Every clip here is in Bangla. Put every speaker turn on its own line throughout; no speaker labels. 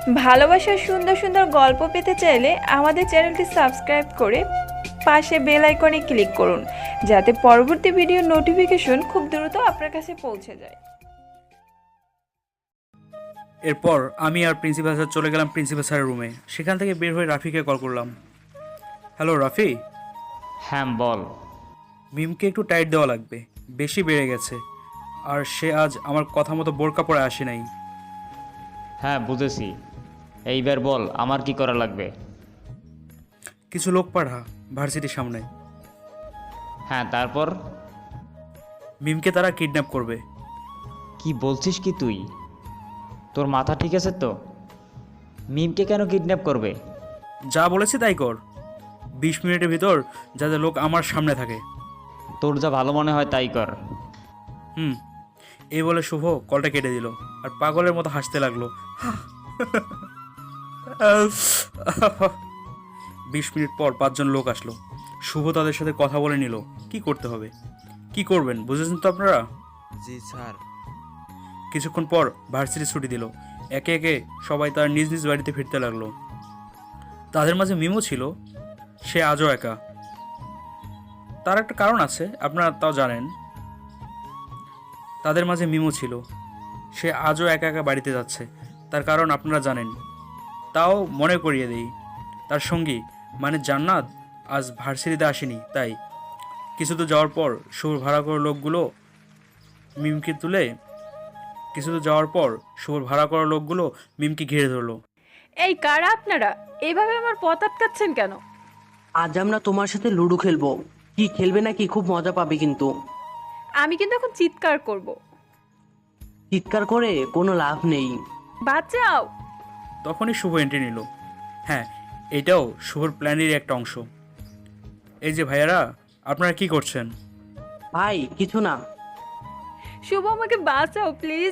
ভালোবাসার সুন্দর সুন্দর গল্প পেতে চাইলে আমাদের চ্যানেলটি সাবস্ক্রাইব করে পাশে বেল আইকনে ক্লিক করুন, যাতে পরবর্তী ভিডিওর নোটিফিকেশন খুব দ্রুত আপনার কাছে পৌঁছে যায়।
এরপর আমি আর প্রিন্সিপাল স্যার চলে গেলাম প্রিন্সিপাল স্যারের রুমে। সেখান থেকে বের হয়ে রাফিকে কল করলাম। হ্যালো রাফি।
হ্যাঁ বল।
মিমকে একটু টাইট দেওয়া লাগবে, বেশি বেড়ে গেছে। আর সে আজ আমার কথা মতো বোরকা পরে আসে নাই।
হ্যাঁ বুঝেছি, এইবার বল আমার কি করা লাগবে।
কিছু লোক পাঠা ভার্সিটির সামনে।
হ্যাঁ তারপর?
মিমকে তারা কিডন্যাপ করবে।
কি বলছিস কি তুই? তোর মাথা ঠিক আছে তো? মিমকে কেন কিডন্যাপ করবে?
যা বলেছি তাই কর। 20 মিনিটের ভিতর যাতে লোক আমার সামনে থাকে।
তোর যা ভালো মনে হয় তাই কর।
এই বলে শুভ কলটা কেটে দিল আর পাগলের মতো হাসতে লাগলো। 20 মিনিট পর 5 জন লোক আসলো। শুভ তাদের সাথে কথা বলে নিল কি করতে হবে। কি করবেন বুঝেছেন তো আপনারা?
জি স্যার।
কিছুক্ষণ পর ভার্সিটি ছুটি দিল। একে একে সবাই তার নিজ নিজ বাড়িতে ফিরতে লাগলো। তাদের মাঝে মিমও ছিল। সে আজও একা। তার একটা কারণ আছে, আপনারা তাও জানেন। তাদের মাঝে মিমও ছিল। সে আজও একা একা বাড়িতে যাচ্ছে। তার কারণ আপনারা জানেন। তাও মনে করিয়ে দেই, তার সঙ্গী মানে জান্নাত আজ ভার্সিটিতে আসেনি। তাই কিছু তো যাওয়ার পর শুভর ভাড়া করা লোকগুলো মিমকে তুলে শুভর ভাড়া করা লোকগুলো মিমকে ঘিরে ধরলো।
এই কারা আপনারা? এইভাবে আমার পথ আটকাচ্ছেন কেন?
আজ আমরা তোমার সাথে লুডো খেলবো। কি খেলবে নাকি? খুব মজা পাবে কিন্তু।
আমি কিন্তু এখন চিৎকার করব।
চিৎকার করে কোনো লাভ নেই।
বাঁচাও!
তখনই শুভ এন্ট্রি নিল। হ্যাঁ, এটাও শুভর প্ল্যানেরই একটা অংশ। এই যে ভাইয়ারা, আপনারা কি করছেন?
ভাই কিছু না।
শুভ, আমাকে বাঁচাও প্লিজ।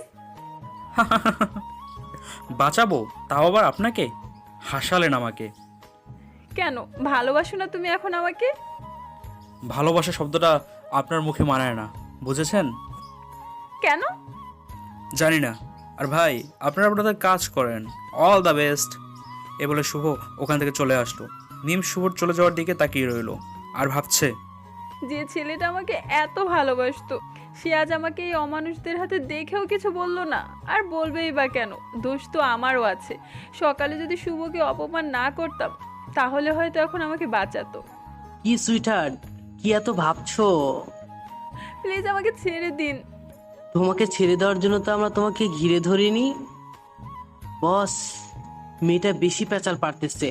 বাঁচাবো? তাও আবার আপনাকে? হাসালেন আমাকে।
কেন ভালোবাসো না তুমি এখন আমাকে?
ভালোবাসা শব্দটা আপনার মুখে মানায় না, বুঝেছেন?
কেন?
জানি না। আর ভাই, আপনারা আপনাদের কাজ করেন। All the best. এ বলে শুভ ওখান থেকে চলে আসলো। মিম শুভর চলে যাওয়ার দিকে তাকিয়ে রইল আর ভাবছে,
যে ছেলেটা আমাকে এত ভালোবাসতো, সে আজ আমাকে এই অমানুষদের হাতে দেখেও কিছু বললো না। আর বলবেই বা কেন? দোষ তো আমারও আছে। সকালে যদি শুভকে অপমান না করতাম, তাহলে হয়তো এখন আমাকে বাঁচাতো।
কি সুইটহার্ট, কি এত ভাবছো?
প্লিজ আমাকে ছেড়ে দিন।
তোমাকে ছেড়ে দেওয়ার জন্য তো আমরা তোমাকে ঘিরে ধরিনি। বস, মেয়েটা বেশি পেঁচাল পারতেছে।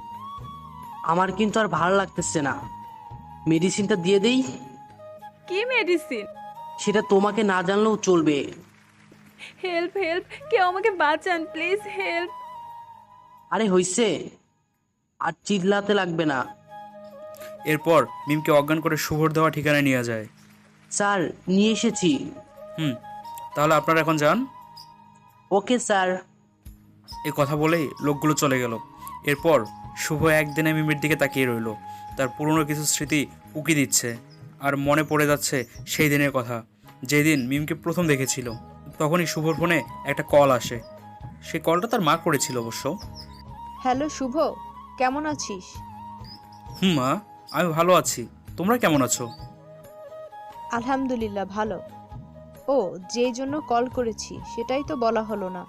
আমার কিন্তু আর ভালো লাগতেছে না। মেডিসিনটা দিয়ে দেই?
কি মেডিসিন?
সেটা তোমাকে না জানলেও চলবে।
হেল্প হেল্প, কেউ আমাকে বাঁচান প্লিজ, হেল্প।
আরে হইছে, আর চিল্লাতে লাগবে না।
এরপর মিমকে অজ্ঞান করে শুভর দেওয়া ঠিকানায় নিয়ে যায়।
স্যার, নিয়ে এসেছি।
তাহলে আপনারা এখন যান।
Okay sir.
এ কথা বলেই লোকগুলো চলে গেল। এরপর শুভ একদিনে মিমের দিকে তাকিয়ে রইল। তার পুরনো কিছু স্মৃতি উকি দিচ্ছে আর মনে পড়ে যাচ্ছে সেই দিনের কথা, যেই দিন মিমকে প্রথম দেখেছিল। তখনই শুভর ফোনে একটা কল আসে। সেই কলটা তার মা করেছিল অবশ্য।
হ্যালো শুভ, কেমন আছিস?
মা, আমি ভালো আছি। তোমরা কেমন আছো?
আলহামদুলিল্লাহ ভালো। ও, যেই জন্য কল করেছি সেটাই তো বলা হলো না।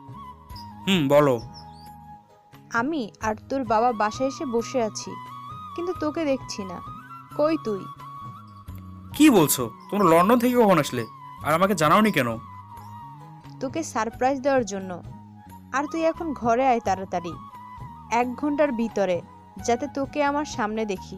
বলো।
আমি আর তোর বাবা বাসায় এসে বসে আছি, কিন্তু তোকে দেখছি না। কই তুই?
কি বলছো? তোমরা লন্ডন থেকে কখন আসলে আর আমাকে জানাওনি কেন?
তোকে সারপ্রাইজ দেওয়ার জন্য। আর তুই এখন ঘরে আয় তাড়াতাড়ি, 1 ঘন্টার ভিতরে, যাতে তোকে আমার সামনে দেখি।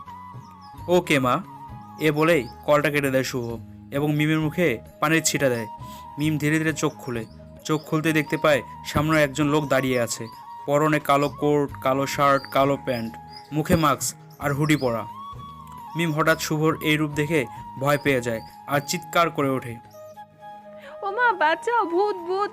ওকে মা। এ বলেই কলটা কেটে দেয় শুভ এবং মিমের মুখে পানির ছিটা দেয়। মিম ধীরে ধীরে চোখ খুলে। চোখ খুলতেই দেখতে পায় সামনে একজন লোক দাঁড়িয়ে আছে। পরনে কালো কোট, কালো শার্ট, কালো প্যান্ট, মুখে মাস্ক আর হুডি পরা। মিম হঠাৎ শুভর এই রূপ দেখে ভয় পেয়ে যায় আর চিৎকার করে ওঠে,
ও মা, বাঁচাও, ভূত ভূত!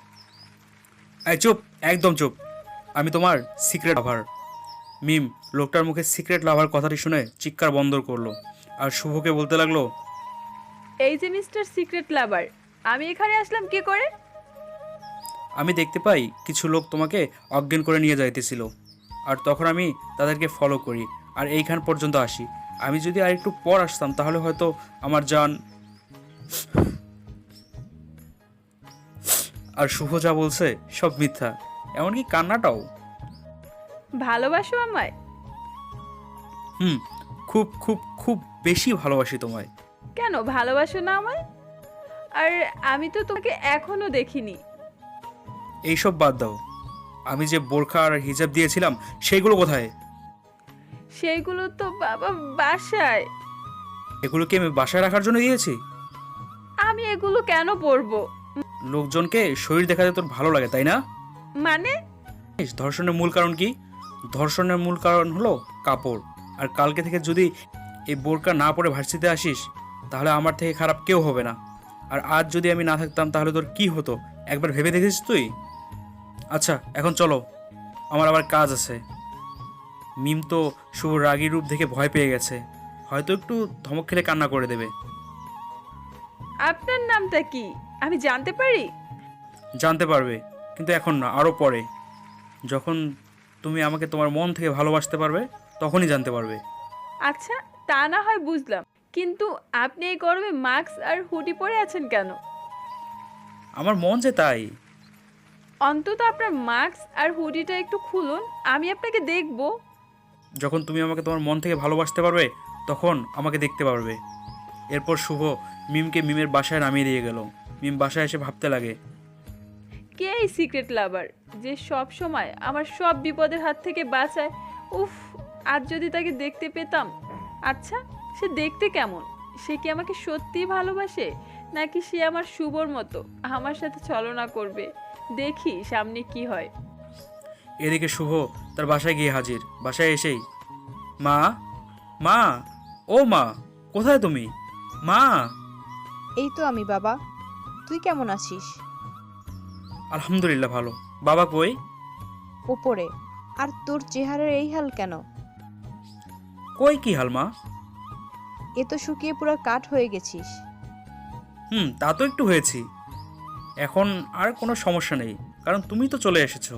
এই চুপ, একদম চুপ। আমি তোমার সিক্রেট লাভার। মিম লোকটার মুখে সিক্রেট লাভার কথাটি শুনে চিৎকার বন্ধ করলো আর শুভকে বলতে লাগলো,
এই যে মিস্টার সিক্রেট লাভার, আমি এখানে আসলাম কি করে?
আমি দেখতে পাই কিছু লোক তোমাকে অজ্ঞান করে নিয়ে যাইতেছিল, আর তখন আমি তাদেরকে ফলো করি আর এইখান পর্যন্ত আসি। আমি যদি আর একটু পর আসতাম তাহলে হয়তো আমার জান। আর শুভ যা বলছে সব মিথ্যা, এমনকি কান্নাটাও।
ভালোবাসো আমায়?
হুম, খুব খুব খুব বেশি ভালোবাসি তোমায়।
কেন ভালোবাসো না আমায়? আর আমি তো তোমাকে এখনো দেখিনি।
এইসব বাদ দাও, আমি যে বোরখা আর হিজাব দিয়েছিলাম সেইগুলো কোথায়?
সেইগুলো তো বাবা বাসায়।
এগুলো কি আমি বাসায় রাখার জন্য দিয়েছি?
আমি এগুলো কেন পরবো?
লোকজনকে শরীর দেখাতে তোর ভালো লাগে তাই না?
মানে?
ধর্ষণের মূল কারণ কি? ধর্ষণের মূল কারণ হলো কাপড়। আর কালকে থেকে যদি এই বোরকা না পরে ভার্সিটিতে আসিস তাহলে আমার থেকে খারাপ কেউ হবে না। আর আজ যদি আমি না থাকতাম তাহলে তোর কি হতো একবার ভেবে দেখেছিস তুই? আচ্ছা এখন চলো, আমার আবার কাজ আছে। মিম তো শুভ রাগী রূপ দেখে ভয় পেয়ে গেছে, হয়তো একটু ধমক খেলে কান্না করে দেবে।
আপনার নামটা কি আমি জানতে পারি?
জানতে পারবে, কিন্তু এখন না, আরও পরে, যখন তুমি আমাকে তোমার মন থেকে ভালোবাসতে পারবে তখনই জানতে পারবে।
আচ্ছা, তা না হয় বুঝলাম, কিন্তু আপনি এই গরমে মাস্ক আর হুডি পরে আছেন কেন?
আমার মন যে তাই।
অন্তত আপনার মাস্ক আর হুডিটা একটু খুলুন, আমি আপনাকে দেখব।
যখন তুমি আমাকে তোমার মন থেকে ভালোবাসতে পারবে তখন আমাকে দেখতে পারবে। এরপর শুভ মিমকে মিমের বাসায় নামিয়ে দিয়ে গেল। মিম বাসায় এসে ভাবতে লাগে,
কে এই সিক্রেট লাভার যে সব সময় আমার সব বিপদের হাত থেকে বাঁচায়? উফ, আজ যদি তাকে দেখতে পেতাম। আচ্ছা, সে দেখতে কেমন? সে কি আমাকে সত্যিই ভালোবাসে, নাকি সে আমার শুভর মতো আমার সাথে ছলনা করবে? দেখি সামনে কি হয়।
এদিকে শুভ তার বাসায় গিয়ে হাজির। বাসায় এসেই, মা, মা, ও মা, কোথায় তুমি? মা।
এই তো আমি বাবা। তুই কেমন আছিস?
আলহামদুলিল্লাহ ভালো। বাবা কই?
ওপরে। আর তোর চেহারার এই হাল কেন?
কই কি হাল মা?
এ তো শুকিয়ে পুরো কাঠ হয়ে গেছিস।
তা তো একটু হয়েছি। এখন আর কোনো সমস্যা নেই, কারণ তুমি তো চলে এসেছো।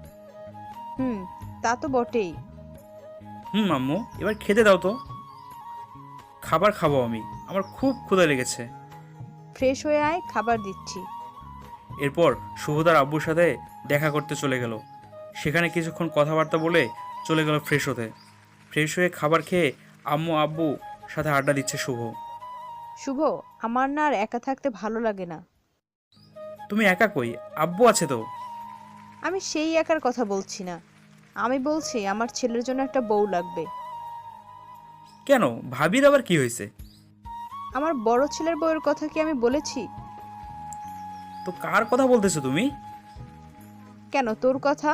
তা তো বটেই।
আম্মু, এবার খেতে দাও তো। খাবার খাবো আমি, আমার খুব ক্ষুধা লেগেছে।
ফ্রেশ হয়ে আয়, খাবার দিচ্ছি।
এরপর শুভদার আব্বুর সাথে দেখা করতে চলে গেল। সেখানে কিছুক্ষণ কথাবার্তা বলে চলে গেল ফ্রেশ হতে। ফ্রেশ হয়ে খাবার খেয়ে আম্মু আব্বু সাথে আড্ডা দিচ্ছে শুভ।
শুভ, আমার না আর একা থাকতে ভালো লাগে না।
তুমি একা কই? আব্বু আছে তো।
আমি সেই একার কথা বলছি না, আমি বলছি আমার ছেলের জন্য একটা বউ লাগবে।
কেন, ভাবির আবার কি হয়েছে?
আমার বড় ছেলের বউয়ের কথা কি আমি বলেছি?
তো কার কথা বলতেছো তুমি?
কেন, তোর কথা।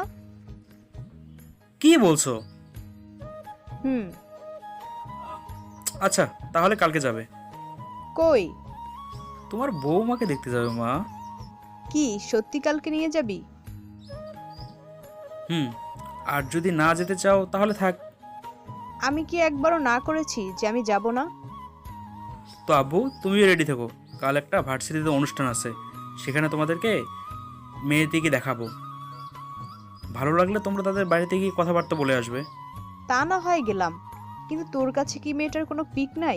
কি বলছো?
হুম।
আচ্ছা, তাহলে কালকে যাবে।
কই?
তোমার বৌমাকে দেখতে যাবে মা।
কি সত্যি কালকে নিয়ে যাবি?
আর যদি না যেতে চাও তাহলে থাক।
আমি কি একবারও না করেছি যে আমি যাব না?
তো আব্বু, তুমিও রেডি থেকো, কাল একটা ভার্সিটিতে অনুষ্ঠান আছে, সেখানে তোমাদেরকে মেয়েটিকে দেখাবো। ভালো লাগলে তোমরা তাদের বাড়িতে গিয়ে কথাবার্তা বলে আসবে।
তা না হয় গেলাম, কিন্তু তোর কাছে কি মেয়েটার কোনো পিক নাই?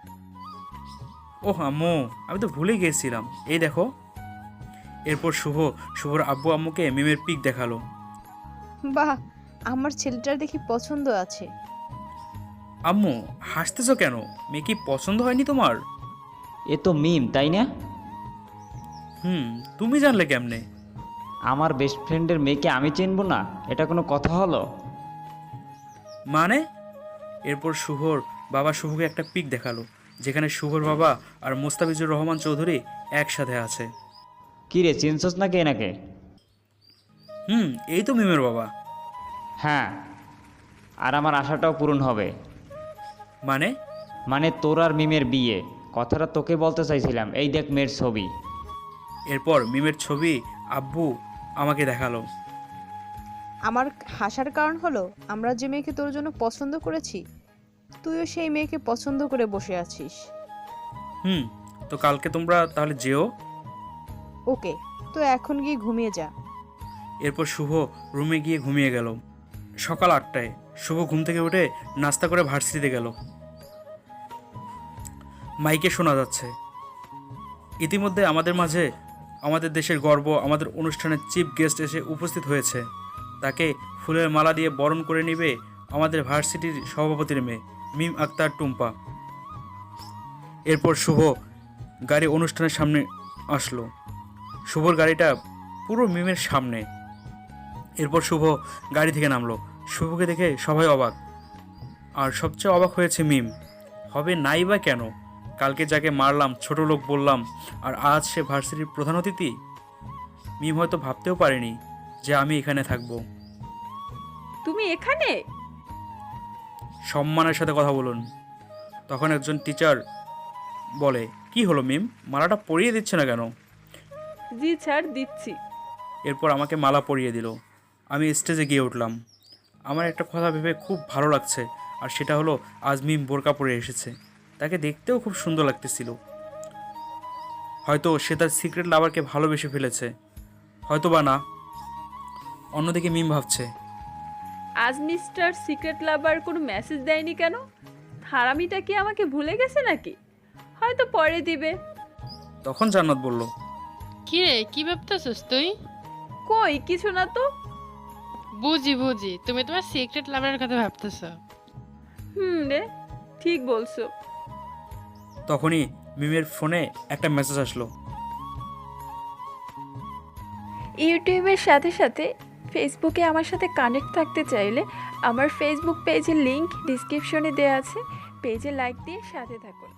ওহ আম্মু, আমি তো ভুলে গিয়েছিলাম, এই দেখো। এরপর শুভর আব্বু আম্মুকে মিমের পিক দেখালো।
বাহ, আমার ছেলেটার দেখি পছন্দ আছে।
আম্মু, হাসতেছো কেন? মেয়ে কি পছন্দ হয়নি তোমার?
এ তো মিম, তাই না?
তুমি জানলে কেমনে?
আমার বেস্ট ফ্রেন্ডের মেয়েকে আমি চিনব না? এটা কোনো কথা হলো?
মানে? এরপর শুভর বাবা শুভকে একটা পিক দেখালো, যেখানে শুভর বাবা আর মোস্তাফিজুর রহমান চৌধুরী একসাথে আছে।
কি রে, চিনছস নাকি এনাকে?
এই তো মিমের বাবা।
হ্যাঁ, আর আমার আশাটাও পূরণ হবে।
মানে?
মানে তোর আর মিমের বিয়ে। কথাটা তোকে বলতে চাইছিলাম, এই দেখ মেয়ের ছবি।
এরপর মিমের ছবি আব্বু আমাকে দেখালো।
আমার হাসার কারণ হলো আমরা যে মেয়েকে তোর জন্য পছন্দ করেছি, তুইও সেই মেয়েকে পছন্দ করে বসে আছিস।
তো কালকে তোমরা তাহলে যেও।
ওকে, তো এখন গিয়ে ঘুমিয়ে যা।
এরপর শুভ রুমে গিয়ে ঘুমিয়ে গেল। সকাল 8টায় শুভ ঘুম থেকে উঠে নাস্তা করে ভার্সিটিতে গেল। মাইকে শোনা যাচ্ছে, ইতিমধ্যে আমাদের মাঝে আমাদের দেশের গর্ব, আমাদের অনুষ্ঠানের চিফ গেস্ট এসে উপস্থিত হয়েছে। তাকে ফুলের মালা দিয়ে বরণ করে নেবে আমাদের ভার্সিটির সভাপতির মেয়ে মিম আক্তার টুম্পা। এরপর শুভ গাড়ি অনুষ্ঠানের সামনে আসলো। শুভর গাড়িটা পুরো মিমের সামনে। এরপর শুভ গাড়ি থেকে নামলো। শুভকে দেখে সবাই অবাক, আর সবচেয়ে অবাক হয়েছে মিম। হবে নাই বা কেন? কালকে যাকে মারলাম, ছোট লোক বললাম, আর আজ সে ভার্সিটির প্রধান অতিথি। মিম হয়তো ভাবতেও পারেনি যে আমি এখানে থাকবো।
তুমি এখানে?
সম্মানের সাথে কথা বলুন। তখন একজন টিচার বলে, কি হলো মিম, মালাটা পরিয়ে দিচ্ছে না কেন?
জি স্যার, দিচ্ছি।
এরপর আমাকে মালা পরিয়ে দিল। আমি স্টেজে গিয়ে উঠলাম। আমার একটা কথা ভেবে খুব ভালো লাগছে, আর সেটা হলো আজ মিম বোরকা পরে এসেছে। তাকে দেখতেও খুব সুন্দর লাগতেছিল। হয়তো সে তার সিক্রেট লাভারকে ভালোবেসে ফেলেছে, হয়তো বা না। অন্যদিকে মিম ভাবছে,
আজ মিস্টার সিক্রেট লাভার কোনো মেসেজ দেয়নি কেন? হারামিটা কি আমাকে ভুলে গেছে নাকি? হয়তো পরে দিবে।
তখন জান্নাত বলল,
কি রে, কি ভাবতেছিস তুই?
কই কিছু না তো।
বুঝি তুমি তোমার সিক্রেট লাভারের কথা ভাবতেছ।
রে, ঠিক বলছো।
তখনই মিমের ফোনে একটা মেসেজ আসলো।
ইউটিউবের সাথে সাথে ফেসবুকে আমার সাথে কানেক্ট থাকতে চাইলে আমার ফেসবুক পেজের লিংক ডিসক্রিপশনে দেওয়া আছে। পেজে লাইক দিয়ে সাথে থাকুন।